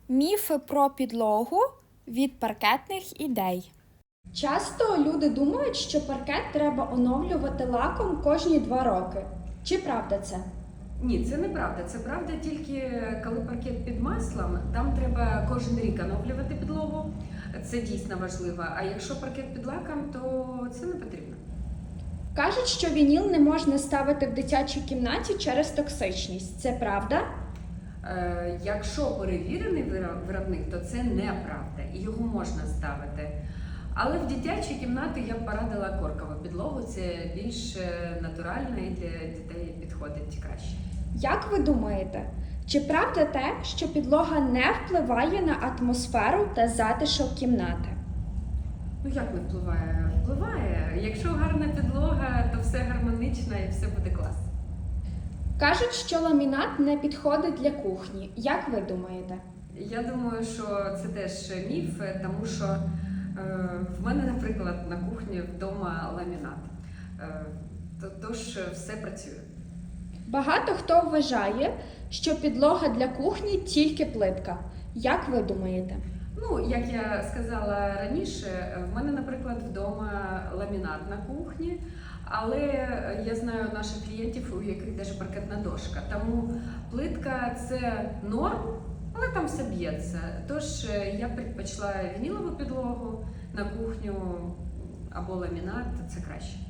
Міфи про підлогу від паркетних ідей. Часто люди думають, що паркет треба оновлювати лаком кожні 2 роки. Чи правда це? Ні, це неправда. Це правда тільки коли паркет під маслом, там треба кожен рік оновлювати підлогу. Це дійсно важливо. А якщо паркет під лаком, то це не потрібно. Кажуть, що вініл не можна ставити в дитячій кімнаті через токсичність. Це правда? Якщо перевірений виробник, то це неправда і його можна ставити. Але в дитячій кімнаті я б порадила коркову підлогу. Це більш натурально і для дітей підходить краще. Як ви думаєте, чи правда те, що підлога не впливає на атмосферу та затишок кімнати? Ну як не впливає? Впливає. Якщо гарна підлога, то все гармонично і все буде класно. Кажуть, що ламінат не підходить для кухні. Як ви думаєте? Я думаю, що це теж міф, тому що в мене, наприклад, на кухні вдома ламінат. Тож все працює. Багато хто вважає, що підлога для кухні тільки плитка. Як ви думаєте? Ну, як я сказала раніше, в мене, наприклад, вдома ламінат на кухні, але я знаю наших клієнтів, у яких навіть паркетна дошка. Тому плитка – це норм, але там все б'ється. Тож я предпочла вінілову підлогу на кухню або ламінат – це краще.